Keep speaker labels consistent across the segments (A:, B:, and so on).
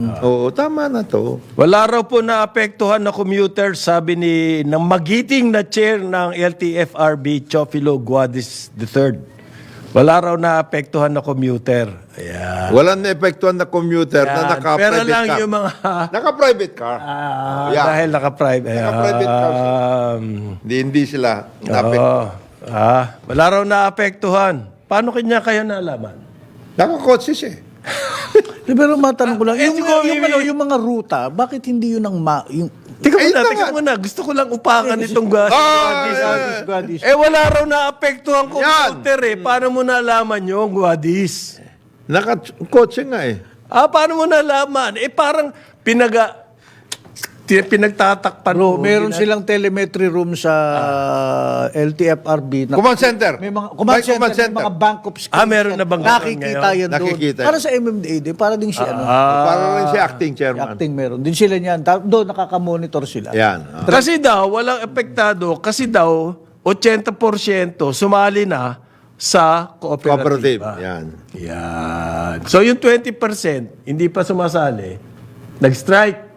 A: Oo, tama na to.
B: Wala raw po naapektuhan na commuter, sabi ng magiting na chair ng LTFRB, Chofilo Guadis III. Wala raw naapektuhan na commuter. Ayan.
A: Walang naepektuhan na commuter na
B: Ayan.
A: naka-private
B: Pero lang
A: car.
B: yung mga...
A: Naka-private car. Yeah.
B: Dahil naka-private.
A: Naka-private car siya. Hindi sila naapektuhan.
B: Wala raw naapektuhan. Paano kanya kayo nalaman?
A: Naka-kotse siya eh.
C: Pero matanong ko lang,
B: siguro,
C: yung mga ruta, bakit hindi yun ang
B: Teka muna. Gusto ko lang upakan itong Guadis. Wala raw naapektuhan computer eh. Paano mo nalaman yung Guadis?
A: Naka-kotse nga eh.
B: Paano mo nalaman? Parang pinagtatakpan
C: Bro,
B: mo.
C: meron silang telemetry room sa LTFRB.
A: Command center.
C: May mga
A: May
C: command center, may mga bank of screens.
B: Meron na bang
C: nakikita
B: ngayon?
C: yan doon.
A: Nakikita
C: Para
A: yan.
C: sa MMDA din, para din si
A: Para rin si acting chairman.
C: acting meron. Din sila niyan. Doon nakakamonitor sila.
A: Yan.
B: Kasi daw, walang epektado. Kasi daw, 80% sumali na sa
A: Cooperative.
B: cooperative.
A: Yan.
B: So yung 20%, hindi pa sumasali, nag-strike.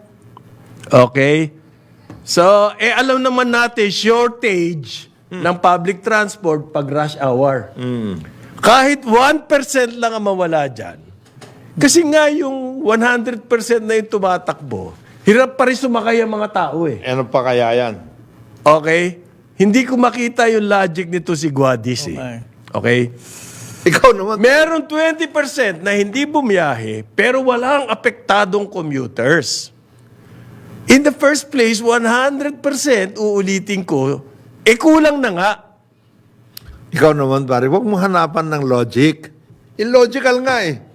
B: Okay? So, alam naman natin, shortage ng public transport pag rush hour. Kahit 1% lang ang mawala dyan. Kasi nga yung 100% na yung tumatakbo, hirap pa rin sumakay ang mga tao eh.
A: Ano pa kaya yan?
B: Okay? Hindi ko makita yung logic nito si Guadis eh. Okay?
A: Ikaw naman.
B: Meron 20% na hindi bumiyahe pero walang apektadong commuters. In the first place, 100% uulitin ko, kulang na nga.
A: Ikaw naman, pare, huwag mo hanapan ng logic. Illogical nga eh.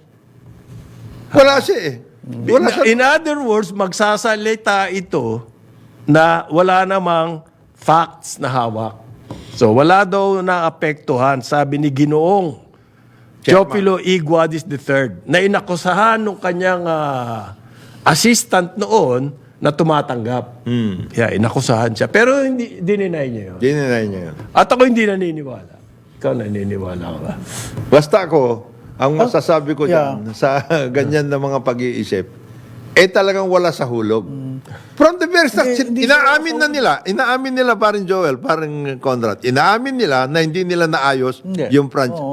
A: Wala siya eh. Wala siya.
B: In other words, magsasalita ito na wala namang facts na hawak. So, wala daw na apektuhan, sabi ni Ginoong Chofilo E. Guadis III, na inakusahan ng kanyang assistant noon na tumatanggap. Yeah, inakusahan siya. Pero hindi dininay niya yun.
A: Dininay niya yun.
B: At ako hindi naniniwala. Ikaw naniniwala ka ba?
A: Basta ako, ang masasabi ko dyan, sa ganyan na mga pag-iisip, talagang wala sa hulog. From the very start, inaamin nila parin Joel, parin Conrad, inaamin nila na hindi nila naayos yung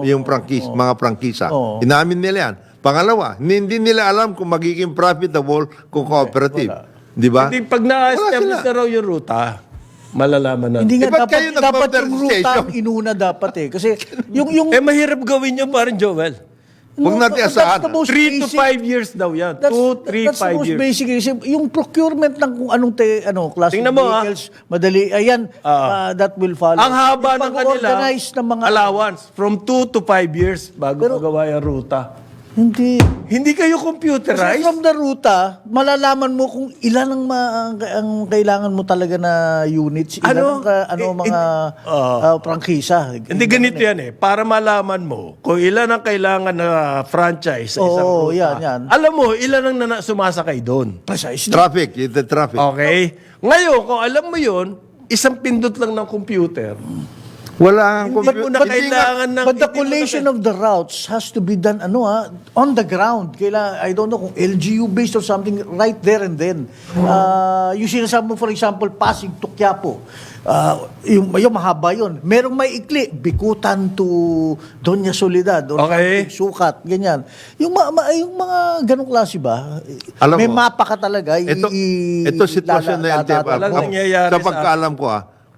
A: mga prangkisa. Inaamin nila yan. Pangalawa, hindi nila alam kung magiging profitable kung cooperative. Di ba?
B: Hindi, pag na-establish na raw yung ruta, malalaman na.
C: Hindi nga
A: ba't kayo
C: dapat yung ruta
A: nag-motorization?
C: ang inuna dapat eh. Kasi yung
B: Mahirap gawin yun parang Joel.
A: Huwag natin asahan.
B: 3 to 5 years daw yan. 2, 3, 5 years.
C: Basic. Yung procurement ng kung anong klase
B: Tingnan
C: ng
B: mo,
C: vehicles, madali. Ayan, that will follow.
B: Ang haba ng
C: Yung
B: kanila
C: pag-organize ng mga
B: allowance from 2 to 5 years bago magawa yung ruta.
C: Hindi.
B: Hindi kayo
C: Kasi
B: computerized?
C: from the ruta, malalaman mo kung ilan ang kailangan mo talaga na units, ilan mga prangkisa.
B: Hindi ganito yan eh. Para malaman mo kung ilan ang kailangan na franchise sa isang ruta.
C: yan.
B: Alam mo, ilan ang sumasakay doon.
C: Precisely.
A: Traffic, the traffic.
B: Okay? Ngayon, kung alam mo yun, isang pindot lang ng computer.
A: Wala ang
B: Hindi mo na kailangan ng...
C: But the collation of the routes has to be done on the ground. I don't know kung LGU based or something right there and then. Yung sinasabi mo, for example, Pasig to Quiapo. Yung mahaba yun. Merong may ikli, Bikutan to Doña Soledad or
B: Okay.
C: Sukat, ganyan. Yung mga ganong klase ba?
A: Alam
C: may
A: mo,
C: mapa ka talaga.
A: Ito sitwasyon na LTFRB.
B: Walang nangyayari
A: Sa pagkaalam ko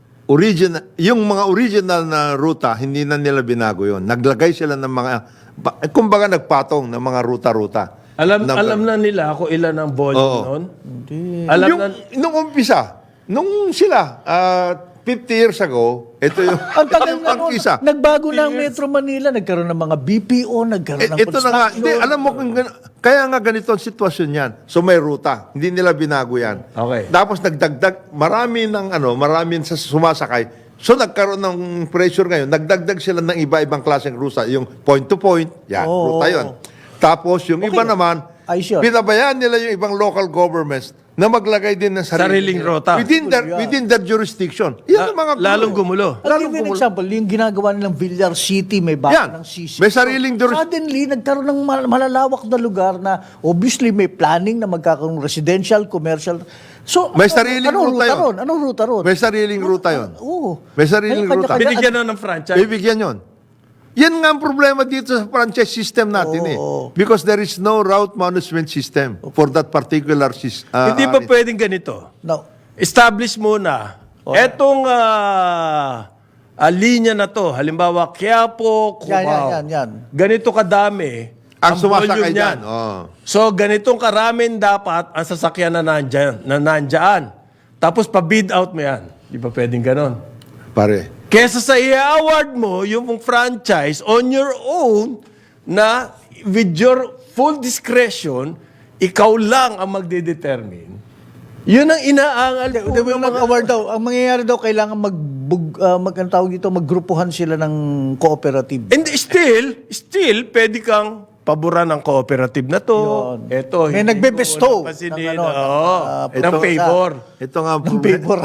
A: yung mga original na ruta, hindi na nila binago yun. Naglagay sila ng mga, kumbaga nagpatong ng mga ruta-ruta.
B: Alam na nila kung ilan ang volume noon? Alam na...
A: Nung umpisa, nung sila, 50 years ago, ito yung
C: Ang tagal na nun,
A: pangkisa.
C: nagbago na ang Metro Manila, nagkaroon ng mga BPO, nagkaroon ng
A: Ito na nga, hindi, alam mo, kaya nga ganito ang sitwasyon yan. So may ruta, hindi nila binago yan.
B: Okay.
A: Tapos nagdagdag, marami sa sumasakay. So nagkaroon ng pressure ngayon, nagdagdag sila ng iba-ibang klaseng ruta. Yung point to point, yan, ruta yun. Tapos yung iba naman,
C: Ayos yun.
A: Pinabayaan nila yung ibang local governments na maglagay din ng
B: Sariling rota.
A: within their jurisdiction. Yan ang mga gulo.
B: Lalong gumulo.
C: I'll give you an example, yung ginagawa nilang Villar City, may
A: Yan.
C: baka ng CC.
A: May sariling
C: Suddenly, nagkaroon ng malalawak na lugar na obviously may planning na magkakaroon residential, commercial. So,
A: May sariling ruta yun.
C: ron? Anong ruta ron?
A: May sariling ruta yon.
C: Oo.
A: May sariling
C: May
A: ruta.
C: kanya-kanya-
B: Binigyan na ng franchise.
A: Bibigyan yon. Yan nga ang problema dito sa franchise system natin Because there is no route management system for that particular system.
B: Hindi ba pwedeng ganito?
C: No.
B: Establish muna. Etong linya na to, halimbawa Quiapo, Cubao.
C: Yan.
B: Ganito kadami
A: ang sumasakay
B: volume
A: dyan.
B: niyan. So, ganitong karamin dapat ang sasakyan na nandyan. Tapos, pa-bid out mo yan. Di ba pwedeng ganon?
A: Pare.
B: Kesa sa i-award mo yung franchise on your own na with your full discretion, ikaw lang ang magde-determine. Yun ang inaangal po
C: Hindi
B: ng
C: mo
B: mga...
C: award daw. Ang mangyayari daw, kailangan ang tawag dito, maggrupuhan sila ng cooperative.
B: And still, pwede kang paboran ng cooperative na to.
C: Yun.
B: Ito,
C: May
B: hindi
C: nagbe-bestow
B: ko napansinin.
C: ng ano,
B: ng favor.
A: Ito nga ang
C: Ng
A: problema.
C: paper.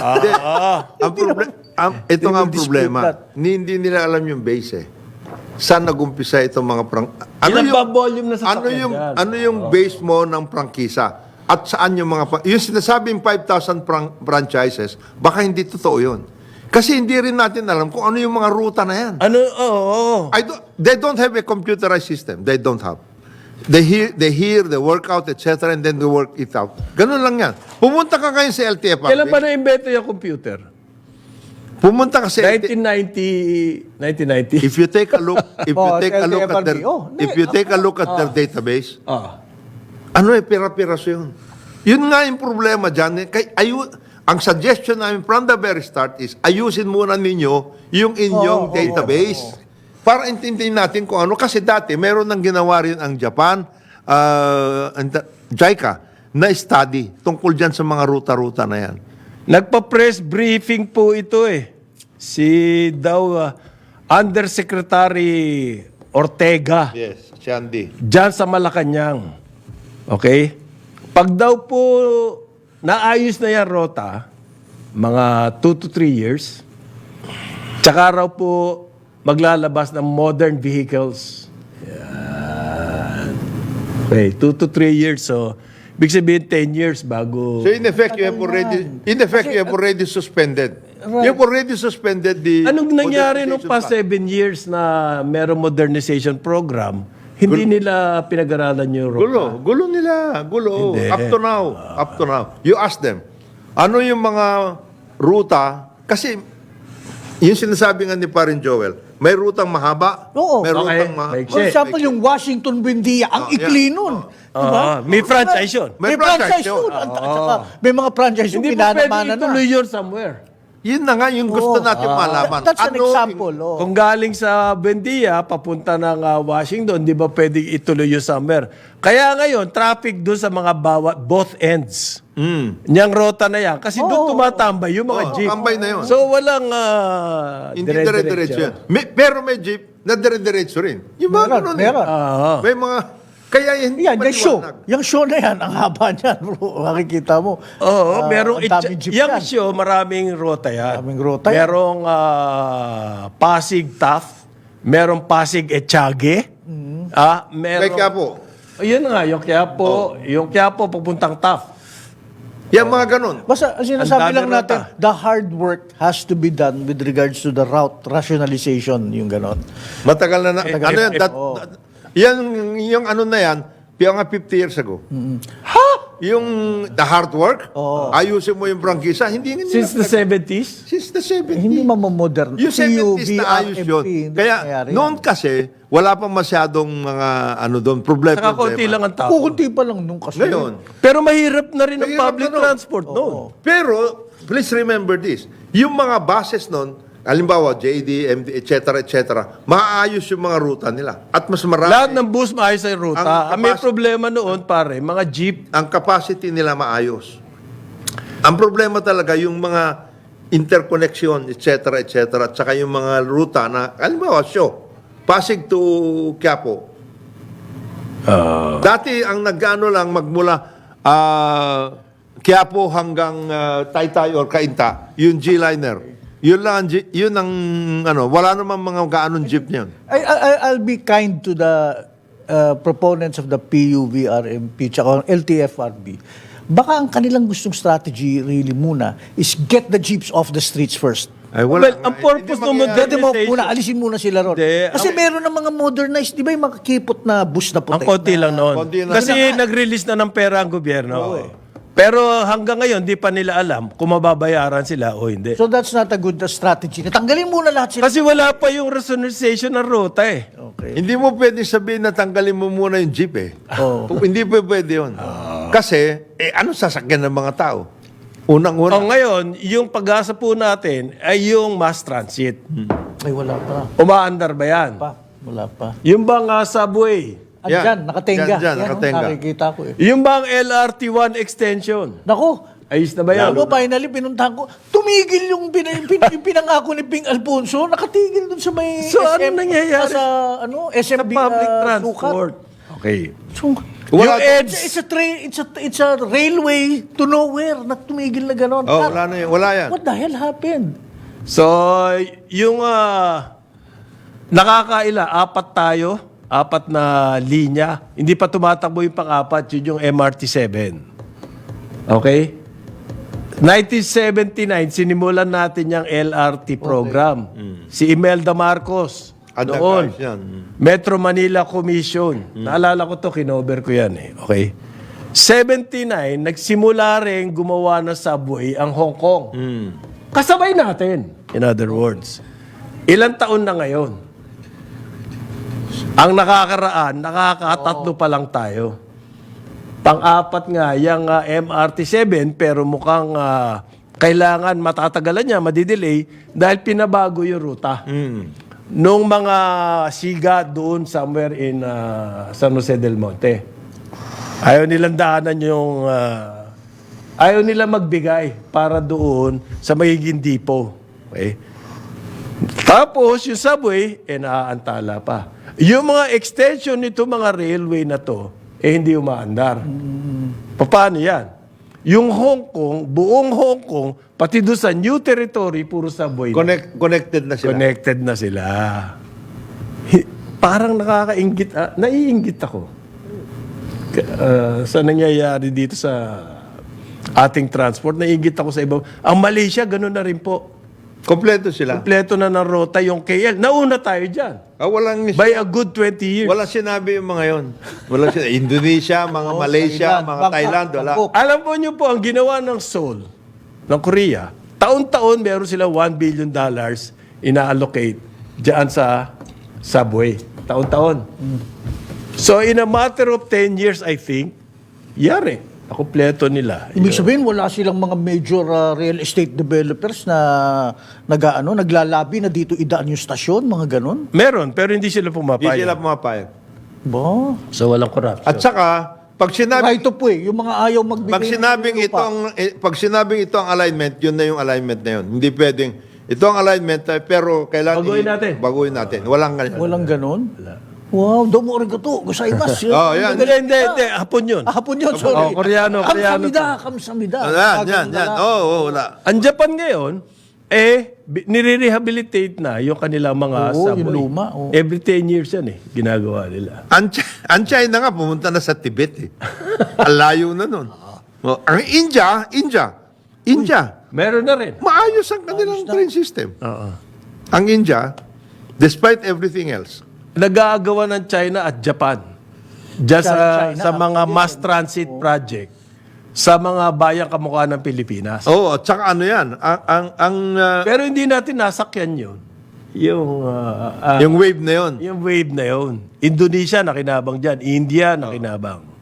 A: Ito nga ang
C: dispute
A: problema.
C: that.
A: Hindi nila alam yung base Saan nagumpisa itong mga
B: Ilan ba volume na sa
A: ano yung base mo ng prangkisa? At saan yung yung sinasabing 5,000 franchises, baka hindi totoo yun. Kasi hindi rin natin alam kung ano yung mga ruta na yan. They don't have a computerized system. They don't have. They hear, they work out, etc. and then they work it out. Ganun lang yan. Pumunta ka ngayon sa LTFRB.
B: Kailan ba na-invento yung computer?
A: Pumunta ka sa
B: 1990?
A: If you take a look, if you take a look at their,
C: LTFRB.
A: if you take a look at their database,
B: Ah.
A: pira-piraso yun. Yun nga yung problema dyan. Ang suggestion namin from the very start is, ayusin muna ninyo yung inyong database. Para intindihin natin kung ano. Kasi dati, meron nang ginawa rin ang Japan, JICA, na study tungkol dyan sa mga ruta-ruta na yan.
B: Nagpa-press briefing po ito Si Undersecretary Ortega.
A: Yes, Shandy.
B: Diyan sa Malacanang. Okay? Pag daw po naayos na yan rota, mga 2 to 3 years, tsaka raw po maglalabas ng modern vehicles. Yan. Okay, 2 to 3 years. So, big sabihin 10 years bago...
A: So in effect, you have already suspended.
C: Right.
A: You have already suspended the...
B: Anong nangyari nung
A: modernization
B: past
A: plan.
B: 7 years na merong modernization program, hindi nila pinag-aralan yung rota?
A: Gulo nila. Gulo.
B: Hindi.
A: Up to now. You ask them, ano yung mga ruta? Kasi, yung sinasabi nga ni Parin Joel, may rutang mahaba,
C: Oo.
A: may
B: Okay.
A: rutang
C: For example, yung Washington Buendia, ang ikli nun. Diba?
B: May franchise yun.
A: May
C: May
A: franchise
C: franchise
A: yun.
C: yun. At saka, may mga franchise yung
B: Hindi pa pwede
C: pinanamana na.
B: ituloy yun somewhere.
A: Yun na nga yung gusto natin malaman.
C: That's an
A: Ano
C: example.
B: Kung galing sa Buendia, papunta ng Washington, di ba pwede ituloy yung summer? Kaya ngayon, traffic doon sa mga both ends. Niyang rota na yan. Kasi doon tumatambay yung mga jeep.
A: tambay na yun.
B: So, walang
A: Hindi dire-diretso yan. Pero may jeep na dire-diretso rin. Yung mga ganun eh.
C: Meron.
A: May mga... Kaya hindi
C: Yan, yung show.
A: maliwanag.
C: Yung show na yan, ang haba niyan, bro. Makikita mo.
B: Oo, merong
C: ang daming jeep
B: yung
C: yan.
B: show, maraming rota yan.
C: Maraming rota yan.
B: Merong Pasig Taft, merong Pasig Echage, merong...
A: May Quiapo.
B: Ayun nga, yung Quiapo papuntang Taft.
A: Yan mga ganun.
C: Basta ang
B: Ang
C: sinasabi
B: dami
C: lang natin,
B: rota.
C: the hard work has to be done with regards to the route rationalization, yung ganon.
A: Matagal na ano yan? Yung ano na yan, mga 50 years ago.
C: Ha?
A: Yung the hard work, ayusin mo yung prangkisa, hindi nga nila.
B: Since the 70s?
A: Since the 70s.
C: Hindi mamamodern.
A: Yung 70s na ayos yun. Kaya noon kasi, wala pang masyadong mga problema.
B: Saka konti lang ang tao.
C: Kukunti pa lang nung kasi.
A: Ngayon,
B: Pero mahirap na rin ang
A: Mahirap
B: public
A: na, no?
B: transport noon.
A: pero, please remember this, yung mga buses noon, halimbawa, JD, MD, etc., maayos yung mga ruta nila. At mas marami.
B: Lahat ng bus maayos ang ruta.
A: Ang
B: May
A: capacity-
B: problema noon, pare, mga jeep.
A: Ang capacity nila maayos. Ang problema talaga yung mga interconnection, etc., at saka yung mga ruta na, halimbawa, Pasig to Quiapo, Dati ang nag-ano lang magmula Quiapo hanggang Taytay or Cainta, yung G-liner. Yun lang, yun ang ano, wala namang mga gaanong jeep niyan.
C: I'll be kind to the proponents of the PUVRMP tsaka LTFRB. Baka ang kanilang gustong strategy really muna is get the jeeps off the streets first.
A: Ay,
B: Well, ang purpose ng
C: Pwede mo
B: modernization,
C: muna, alisin muna sila ron.
B: Hindi,
C: Kasi meron ng mga modernized, di ba yung makakipot na bus na
B: ang
C: puti?
B: konti lang noon.
A: konti lang.
B: Kasi nag-release na ng pera ang gobyerno. Pero hanggang ngayon, di pa nila alam kung mababayaran sila o hindi.
C: So that's not a good strategy. Natanggalin muna lahat sila.
B: Kasi wala pa yung rationalization ng ruta eh.
C: Okay.
A: Hindi mo pwede sabihin na tanggalin mo muna yung jeep eh. Hindi pwede yun. Kasi, ano sasakyan ng mga tao? Unang-una.
B: O ngayon, yung pag-asa po natin ay yung mass transit.
C: Ay, wala pa.
B: Umaandar ba yan?
C: Wala pa.
B: Yung bang subway?
C: Andyan, nakatenga.
A: Dyan,
C: Yan,
A: nakatenga.
C: nakikita ko eh.
B: Yung bang LRT1 extension?
C: Nako,
B: Ayos na ba yan?
C: alam mo, finally, pinuntahan ko, tumigil yung pinangako ni Ping Alfonso, nakatigil dun sa may
B: So, ano nangyayari?
C: Sa, SMB,
B: Sa public
C: sukat.
B: transport. Okay.
C: So,
A: Wala-
B: yung EDS,
C: it's a railway to nowhere na tumigil na gano'n.
A: Oh, wala na yun. Wala yan.
C: What the hell happened?
B: so, yung nakakaila, apat na linya. Hindi pa tumatakbo yung pang-apat, yun yung MRT-7. Okay? 1979, sinimulan natin yung LRT program. Si Imelda Marcos.
A: At
B: Noon.
A: nag-ayos yan.
B: Metro Manila Commission. Naalala ko to, kinover ko yan eh. Okay? 79, nagsimula rin gumawa ng subway ang Hong Kong. Kasabay natin, in other words. Ilang taon na ngayon? Ang nakakaraan, nakakatatlo pa lang tayo. Pang-apat nga, yung MRT-7, pero mukhang kailangan matatagalan niya, madidelay, dahil pinabago yung ruta. Nung mga siga doon somewhere in San Jose del Monte. Ayaw nilang daanan yung... ayaw nila magbigay para doon sa magiging depot. Okay? Tapos, yung subway, naaantala pa. Yung mga extension nito, mga railway na to, hindi umaandar. Paano yan? Yung Hong Kong, buong Hong Kong, pati doon sa new territory, puro subway.
A: Connected na sila.
B: Connected na sila. Parang nakakaingit, naiingit ako. Sa nangyayari dito sa ating transport, naiingit ako sa iba. Ang Malaysia, gano'n na rin po.
A: Kompleto sila.
B: Kompleto na ng rota yung KL. Nauna tayo dyan.
A: Walang,
B: By a good 20 years.
A: walang sinabi yung mga yon. Walang sinabi. Indonesia, mga Malaysia,
C: Thailand,
A: mga
C: Bangkok,
A: Thailand, wala.
C: Bangkok.
B: Alam po niyo po, ang ginawa ng Seoul, ng Korea, taon-taon meron sila $1 billion ina-allocate dyan sa subway. Taon-taon. So in a matter of 10 years, I think, yari. Nakumpleto nila.
C: Ibig sabihin, wala silang mga major real estate developers na naglalabi na dito idaan yung stasyon, mga ganun.
B: Meron, pero hindi sila
A: Hindi
B: pumapayag.
A: sila pumapayag.
C: Ba?
B: So walang corruption.
A: At saka, pag sinabi,
C: Right of way, yung mga ayaw magbigay.
A: pag sinabing
C: ng lupa.
A: pag sinabing ito ang alignment, yun na yung alignment na yun. Hindi pwedeng, ito ang alignment, pero kailangan
B: Baguhin natin.
A: Baguhin natin. Walang ganyan.
C: Walang ganun? Wow, domo arigato. Gozaimasu.
A: Oh, yan.
B: Hindi. Hapon yun.
C: Hapon yun, sorry.
B: Oh, Koreano
C: Kamsamida.
A: Yan. Wala.
B: Ang Japan ngayon, nire-rehabilitate na yung kanilang mga
C: Oo,
B: subway.
C: yung luma, oo.
B: Every 10 years yan ginagawa nila.
A: Ang China nga, pumunta na sa Tibet eh. Ang layo na nun. Oh, ang India,
B: Meron na rin.
A: maayos ang kanilang train system.
B: Oo.
A: Ang India, despite everything else,
B: Nag-aagawa ng China at Japan. Diyan
C: China,
B: sa mga mass transit project sa mga bayang kamukha ng Pilipinas.
A: at saka ano yan,
B: Pero hindi natin nasakyan yun.
A: yung wave na yun.
B: Yung wave na yun. Indonesia nakinabang dyan. India nakinabang.